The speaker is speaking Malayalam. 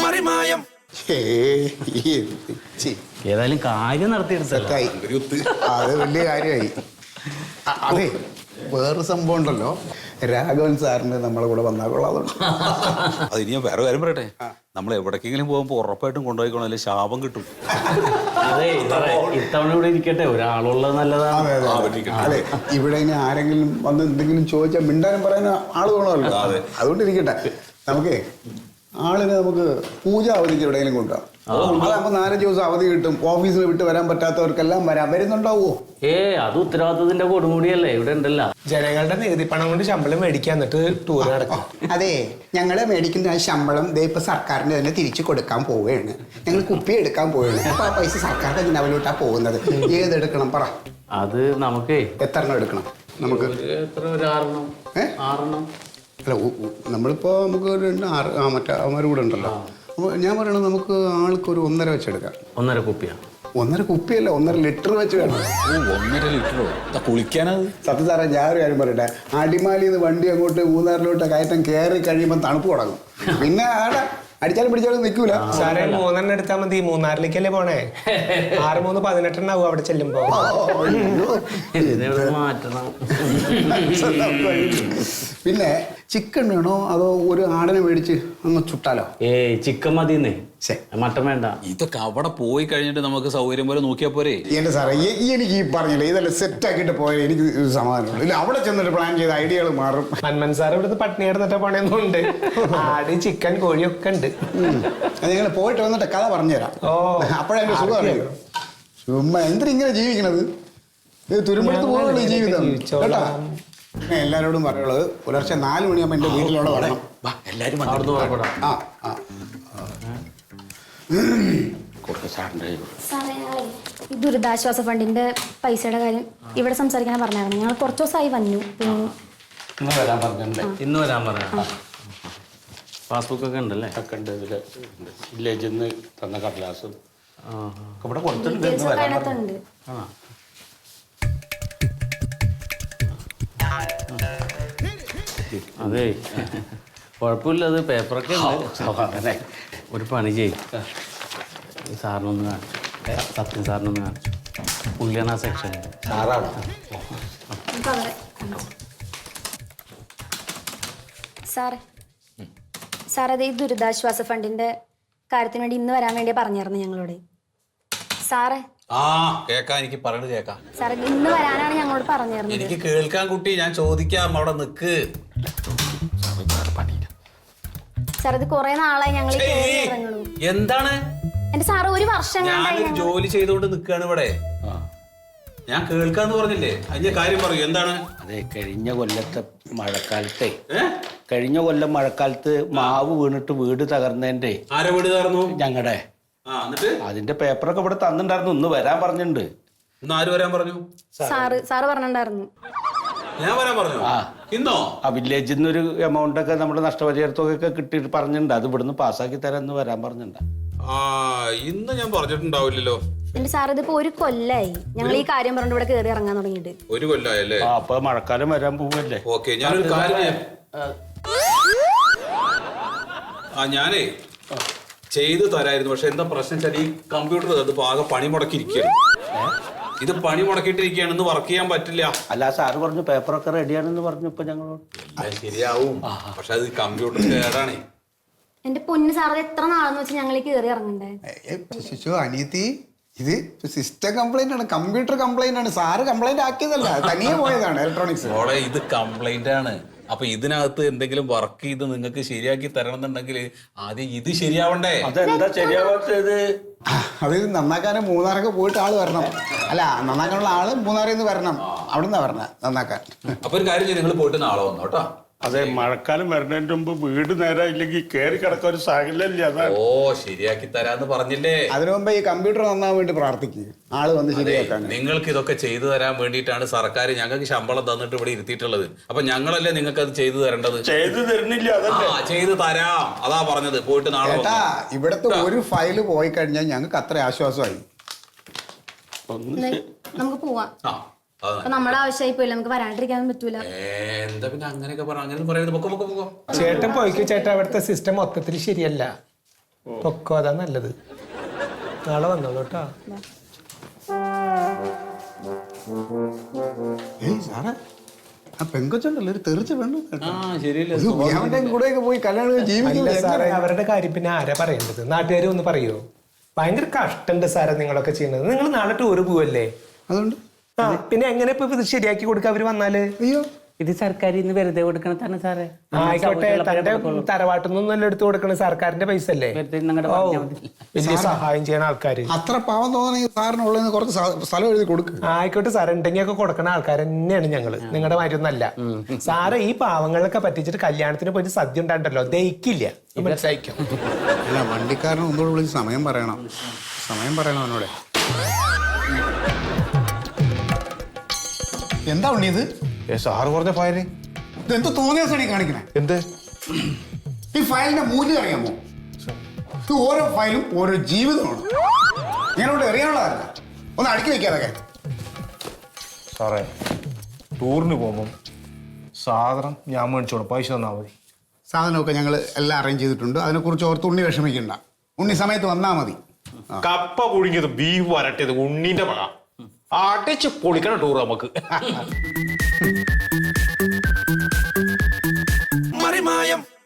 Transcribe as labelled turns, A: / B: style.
A: പാറിമായം.
B: ഏതായാലും കാര്യം നടത്തിയെടുത്തായി.
C: അത് വലിയ കാര്യമായി. അതെ, വേറൊരു സംഭവം ഉണ്ടല്ലോ, രാഘവൻ സാറിന് നമ്മളെ കൂടെ വന്നാൽ കൊള്ളാതുണ്ട്.
A: അത് ഇനി ഞാൻ വേറെ കാര്യം പറയട്ടെ, നമ്മൾ എവിടേക്കെങ്കിലും പോകുമ്പോൾ ഉറപ്പായിട്ടും കൊണ്ടുപോയിക്കോണം, അല്ലെങ്കിൽ ശാപം കിട്ടും.
B: അതെ, ഇത്തവണ ഇവിടെ ഇരിക്കട്ടെ, ഒരാളുള്ളത് നല്ലതാണ്.
C: അതെ, ഇവിടെ ഇനി ആരെങ്കിലും വന്ന് എന്തെങ്കിലും ചോദിച്ചാൽ മിണ്ടാനും പറയാനും ആള് വേണമല്ലോ. അതുകൊണ്ട് ഇരിക്കട്ടെ. നമുക്കേ ആളിനെ നമുക്ക് പൂജ അവധിക്ക് എവിടെയെങ്കിലും കൊണ്ടുപോകാം. അതാകുമ്പോൾ 4 ദിവസം അവധി കിട്ടും. ഓഫീസിൽ വിട്ട് വരാൻ പറ്റാത്തവർക്കെല്ലാം വരുന്നുണ്ടാവോ?
B: അത് ഉത്തരവാദിത്തത്തിന്റെ കൊടുമുടിയല്ലേ ഇവിടെ ഉണ്ടല്ലോ.
D: ജനങ്ങളുടെ നികുതി പണം കൊണ്ട് ശമ്പളം മേടിക്കാൻ, എന്നിട്ട് ടൂർ നടക്കാം.
C: അതെ, ഞങ്ങള് മേടിക്കുന്ന ശമ്പളം ഇപ്പൊ സർക്കാരിന് തന്നെ തിരിച്ചു കൊടുക്കാൻ പോവുകയാണ്. ഞങ്ങൾ കുപ്പി എടുക്കാൻ പോവുകയാണ്. അപ്പൊ ആ പൈസ സർക്കാരിന്റെ ജനാവിലോട്ടാ പോകുന്നത്. ഏതെടുക്കണം പറ?
B: അത് നമുക്കേ
C: എത്ര എണ്ണം എടുക്കണം? നമുക്ക്
B: എത്ര, ഒരു 6
C: അല്ല, നമ്മളിപ്പോ നമുക്ക് ഒരു 6 മറ്റേ അവന്മാർ കൂടെ ഉണ്ടല്ലോ. അപ്പോൾ ഞാൻ പറയണത് നമുക്ക് ആൾക്കൊരു 1.5 വെച്ചെടുക്കാം.
B: 1.5 കുപ്പിയാ?
C: 1.5 കുപ്പിയല്ല, 1.5 ലിറ്റർ വെച്ച് വേണം.
A: 1.5 ലിറ്ററോ? കുളിക്കാനത്?
C: സത്യം സാറേ, ഞാൻ ഒരു കാര്യം പറയട്ടെ, അടിമാലിന്ന് വണ്ടി അങ്ങോട്ട് മൂന്നാറിലോട്ട് കയറ്റം കയറി കഴിയുമ്പോൾ തണുപ്പ് തുടങ്ങും. പിന്നെ ആടെ അടിച്ചാലും പിടിച്ചാലും നിൽക്കൂല.
D: സാറേ, 3 എണ്ണം എടുത്താൽ മതി. മൂന്നാറിലേക്കല്ലേ പോണേ? 6 3 18 എണ്ണാവും അവിടെ ചെല്ലുമ്പോ.
B: മാറ്റണം.
C: പിന്നെ ചിക്കൻ വേണോ അതോ ഒരു ആടിനെ മേടിച്ച് അങ്ങ് ചുട്ടാലോ?
B: ചിക്കൻ മതിന്നേ, മട്ടൻ വേണ്ട.
A: ഇതൊക്കെ അവിടെ പോയി കഴിഞ്ഞിട്ട് നമുക്ക് സൗകര്യം പോലെ നോക്കിയാൽ പോരെ?
C: എന്റെ സാറേ, എനിക്ക് ഈ പറഞ്ഞില്ലേ, ഇതെല്ലാം സെറ്റ് ആക്കിയിട്ട് പോയാൽ എനിക്ക് സമാധാനമുള്ളൂ. ഇല്ല, അവിടെ ചെന്നിട്ട് പ്ലാൻ ചെയ്ത ഐഡിയകൾ മാറും.
D: മന്മൻ സാർ ഇവിടുന്ന് പട്ടിണി കിടന്നിട്ട് പോണേന്നുണ്ട്. ആട്, ചിക്കൻ, കോഴിയൊക്കെ ഉണ്ട്.
C: അത് നിങ്ങൾ പോയിട്ട് വന്നിട്ട് കഥ പറഞ്ഞുതരാം. അപ്പോഴതിന്റെ സുഖം അറിയോ? ചുമ്മാ എന്തിനിങ്ങനെ ജീവിക്കണത്? ഇത് തുരുമ്പെടുത്ത് പോകുന്നുള്ളൂ ഈ ജീവിതം കേട്ടാ. എല്ലാരോടും പറയുള്ളത്, പുലർച്ചെ 4 മണിയാകുമ്പോൾ എന്റെ വീട്ടിലോടെ വരണം.
A: എല്ലാരും
E: സാറേ, ഈ ദുരിതാശ്വാസ ഫണ്ടിന്റെ പൈസയുടെ കാര്യം ഇവിടെ സംസാരിക്കാൻ പറഞ്ഞായിരുന്നു. ഞങ്ങൾ കുറച്ച് ദിവസമായി വന്നു.
B: ഇന്ന് വരാൻ പറഞ്ഞ പാസ്ബുക്ക് ഒക്കെ ഉണ്ടല്ലേ?
F: ഒക്കെ ഉണ്ട്. ഇതിൽ വില്ലേജിൽ നിന്ന് തന്ന കടലാസും ഇവിടെ
E: ഡീറ്റെയിൽസ് ഒക്കെ അതിനകത്തുണ്ട്.
B: അതെ, കുഴപ്പമില്ല, അത് പേപ്പറൊക്കെ ഉണ്ട്. ഒരു പണി ചെയ്യും, സാറിനൊന്ന് കാണിച്ചു, സത്യം സാറിനൊന്ന് കാണിച്ചു. പുള്ളിയാണ് ആ സെക്ഷൻ.
F: സാറാണോ?
E: സാർ അത് ഈ ദുരിതാശ്വാസ ഫണ്ടിന്റെ കാര്യത്തിന് വേണ്ടി ഇന്ന് വരാൻ വേണ്ടി പറഞ്ഞായിരുന്നു ഞങ്ങളോട്. സാറേ,
A: എനിക്ക് പറയണത് കേക്കാം.
E: സാറേ, ഇന്ന് വരാനാണ് ഞങ്ങളോട് പറഞ്ഞിരുന്നത്.
A: എനിക്ക് കേൾക്കാൻ കുട്ടി, ഞാൻ ചോദിക്കാം, അവിടെ നിക്ക്.
E: സാർ, ഇത് കുറെ നാളായി ഞങ്ങൾ
A: എന്താണ്
E: എന്റെ സാറ്, 1 വർഷം
A: ഞാനൊരു ജോലി ചെയ്തോണ്ട് നിക്കാണ് ഇവിടെ. ഞാൻ കേൾക്കാന്ന് പറഞ്ഞില്ലേ? അതിന്റെ കാര്യം പറയൂ, എന്താണ്?
F: അതെ, കഴിഞ്ഞ കൊല്ലം മഴക്കാലത്ത് മാവ് വീണിട്ട് വീട് തകർന്നതിന്റെ.
A: ആരെ വീട് തകർന്നു?
F: ഞങ്ങളുടെ. അതിന്റെ പേപ്പറൊക്കെ ഇവിടെ തന്നിട്ടുണ്ടായിരുന്നു. ഇന്ന് വരാൻ പറഞ്ഞിട്ടുണ്ട്.
A: ഇന്ന് ആര് വരാൻ പറഞ്ഞു?
E: സാറ് പറഞ്ഞിട്ടുണ്ടായിരുന്നു.
A: ഞാൻ വരാൻ പറഞ്ഞു? ഇന്നോ?
F: ആ വില്ലേജിൽ നിന്നൊരു എമൗണ്ട് ഒക്കെ നമ്മുടെ നഷ്ടപരിഹാരത്തൊക്കെ കിട്ടിയിട്ട് പറഞ്ഞിട്ടുണ്ട്. അത് ഇവിടുന്ന് പാസ്സാക്കി തരാൻ ഇന്ന് വരാൻ പറഞ്ഞിട്ടുണ്ട്.
A: ഇന്ന് ഞാൻ പറഞ്ഞിട്ടുണ്ടാവില്ലല്ലോ.
E: എന്റെ സാർ, ഇതിപ്പോ 1 കൊല്ലായി ഞങ്ങൾ ഈ കാര്യം പറഞ്ഞിട്ട് ഇവിടെ കയറി ഇറങ്ങാൻ തുടങ്ങിയിട്ട്.
A: 1 കൊല്ലായല്ലേ?
F: അപ്പൊ മഴക്കാലം വരാൻ പോവല്ലേ?
A: ഓക്കെ, ഞാനൊരു കാര്യം ഞാനേ ചെയ്തു തരായിരുന്നു. പക്ഷെ എന്താ പ്രശ്നം വെച്ചാൽ ഈ കമ്പ്യൂട്ടർ അത് ആകെ പണി മുടക്കിയിരിക്കുകയാണ്. ഇത് പണി മുടക്കിയിട്ടിരിക്കുകയാണ്, ഇന്ന് വർക്ക് ചെയ്യാൻ പറ്റില്ല.
F: അല്ല, സാറ് പറഞ്ഞു പേപ്പറൊക്കെ റെഡിയാണെന്ന് പറഞ്ഞു. ഇപ്പൊ ഞങ്ങളോട്
A: ശരിയാവും, പക്ഷെ അത് കമ്പ്യൂട്ടർ കേടാണേ.
E: എന്റെ പൊന്ന് സാർ, എത്ര നാളെന്ന് വെച്ചാൽ ഞങ്ങൾ കയറി ഇറങ്ങണ്ടേ?
C: അനിയത്തി, ഇത് സിസ്റ്റം കംപ്ലൈന്റ് ആണ്, കമ്പ്യൂട്ടർ കംപ്ലൈന്റ് ആണ്. സാറ് കംപ്ലൈന്റ് ആക്കിയതല്ല, തനിയെ പോയതാണ് ഇലക്ട്രോണിക്സ്.
A: ഇത് കംപ്ലൈന്റ് ആണ്. അപ്പൊ ഇതിനകത്ത് എന്തെങ്കിലും വർക്ക് ചെയ്ത് നിങ്ങൾക്ക് ശരിയാക്കി തരണം എന്നുണ്ടെങ്കിൽ ആദ്യം ഇത് ശരിയാവണ്ടേ?
F: അതെന്താ ശരിയാവാത്തത്?
C: അത് നന്നാക്കാനും മൂന്നാറൊക്കെ പോയിട്ട് ആള് വരണം. അല്ല, നന്നാക്കാനുള്ള ആള് മൂന്നാറിൽ നിന്ന് വരണം. അവിടുന്ന് വരണം നന്നാക്കാൻ.
A: അപ്പൊ ഒരു കാര്യം നിങ്ങൾ പോയിട്ട് നാളെ വന്നോ കേട്ടോ.
F: അതെ, മഴക്കാലം വരുന്നതിന്റെ മുമ്പ് വീട് നേരായില്ലെങ്കിൽ കയറി കിടക്കാൻ ഒരു സാഹചര്യമല്ലേ? അതാണ്.
A: ശരിയാക്കി തരാന്ന് പറഞ്ഞില്ലേ?
C: അതിനു മുമ്പ് ഈ കമ്പ്യൂട്ടർ നന്നാൻ വേണ്ടി പ്രാർത്ഥിക്കുക, ആള് വന്ന് ശരിയാക്കാൻ.
A: നിങ്ങൾക്ക് ഇതൊക്കെ ചെയ്തു തരാൻ വേണ്ടിയിട്ടാണ് സർക്കാർ ഞങ്ങൾക്ക് ശമ്പളം തന്നിട്ട് ഇവിടെ ഇരുത്തിയിട്ടുള്ളത്. അപ്പൊ ഞങ്ങളല്ലേ നിങ്ങൾക്ക് അത് ചെയ്തു തരേണ്ടത്?
F: ചെയ്തു തരുന്നില്ല.
A: ചെയ്തു തരാം, അതാ പറഞ്ഞത്. പോയിട്ട് നാളെ
C: ഇവിടത്തെ ഒരു ഫയല് പോയി കഴിഞ്ഞാൽ ഞങ്ങൾക്ക് അത്ര ആശ്വാസമായി.
E: നമുക്ക് പോവാം. നമ്മുടെ ആവശ്യമായി പോയില്ല, നമുക്ക് വരാണ്ടിരിക്കാൻ പറ്റൂല.
A: എന്താ പിന്നെ അങ്ങനെയൊക്കെ പറഞ്ഞു? അങ്ങനെ പറയുന്നത്.
D: ചേട്ടൻ പോയിക്കോ ചേട്ടാ, അവിടുത്തെ സിസ്റ്റം മൊത്തത്തിൽ ശരിയല്ല. പൊക്കോ, അതാ നല്ലത്. നാളെ വന്നോളൂ കേട്ടോ.
C: സാറേ ആ പെങ്കൊച്ചുണ്ടല്ലോ ഒരു തെറിച്ച് വേണം
A: ആ ശരിയല്ലേ
C: അവന്റെ കൂടെയൊക്കെ പോയി കല്യാണം
D: അല്ല
C: ജീവിക്കുന്നത്
D: സാറേ, അവരുടെ കാര്യം പിന്നെ ആരാ പറയേണ്ടത്? നാട്ടുകാർ ഒന്ന് പറയോ? ഭയങ്കര കഷ്ടണ്ട് സാറേ നിങ്ങളൊക്കെ ചെയ്യുന്നത്. നിങ്ങൾ നാളെ ടൂറ് പോവല്ലേ?
C: അതുകൊണ്ട്
D: പിന്നെ എങ്ങനെ ഇപ്പൊ ഇത് ശരിയാക്കി കൊടുക്കുക അവര് വന്നാല്?
C: അയ്യോ
B: ഇത് സർക്കാർ ഇന്ന് വെറുതെ കൊടുക്കണം തന്നെ സാറേ.
D: ആയിക്കോട്ടെ, തന്റെ തറവാട്ടിൽ എടുത്തു കൊടുക്കണ സർക്കാരിന്റെ പൈസ അല്ലേ?
B: വെറുതെ നിങ്ങളുടെ
D: ഓ,
B: പറഞ്ഞാൽ മതി.
D: വലിയ സഹായം ചെയ്യണ ആൾക്കാര്.
C: അത്ര പാവം തോന്നണമെങ്കിൽ സാറിനുള്ളതിന് കുറച്ച് സ്ഥലം എഴുതി കൊടുക്കും.
D: ആയിക്കോട്ടെ സാർ, ഉണ്ടെങ്കിൽ ഒക്കെ കൊടുക്കണ ആൾക്കാർ തന്നെയാണ് ഞങ്ങള്. നിങ്ങളുടെ മാറ്റൊന്നല്ല സാറ്. ഈ പാവങ്ങളൊക്കെ പറ്റിച്ചിട്ട് കല്യാണത്തിന് പോയിട്ട് സദ്യ ഉണ്ടാണ്ടല്ലോ, ദഹിക്കില്ല. മനസ്സിലായിക്കും.
C: അല്ല വണ്ടിക്കാരൻ ഒന്നുകൂടെ വിളിച്ച് സമയം പറയണം അവനോടെ. എന്താ ഉണ്ണിയത്?
G: സാറ് പറഞ്ഞ ഫയല്
C: ഇതെന്ത് തോന്നിയ സണി കാണിക്കണേ?
G: എന്ത്?
C: ഈ ഫയലിന്റെ മൂല്യം അറിയാമോ? ഇത് ഓരോ ഫയലും ഓരോ ജീവിതമാണ്. ഞാനോട് അറിയാനുള്ളതല്ല. ഒന്ന് അടുക്കി വെക്കാതൊക്കെ.
G: സാറേ, ടൂറിന് പോകുമ്പം സാധനം ഞാൻ മേടിച്ചോളൂ, പൈസ തന്നാൽ മതി.
C: സാധനമൊക്കെ ഞങ്ങൾ എല്ലാം അറേഞ്ച് ചെയ്തിട്ടുണ്ട്. അതിനെക്കുറിച്ച് ഓർത്ത് ഉണ്ണി വിഷമിക്കണ്ട. ഉണ്ണി സമയത്ത് വന്നാൽ മതി.
G: കപ്പ പുഴുങ്ങിയത്, ബീഫ് വരട്ടിയത്, ഉണ്ണീന്റെ പഴ അടിച്ച് പൊളിക്കണം ടൂർ നമുക്ക്.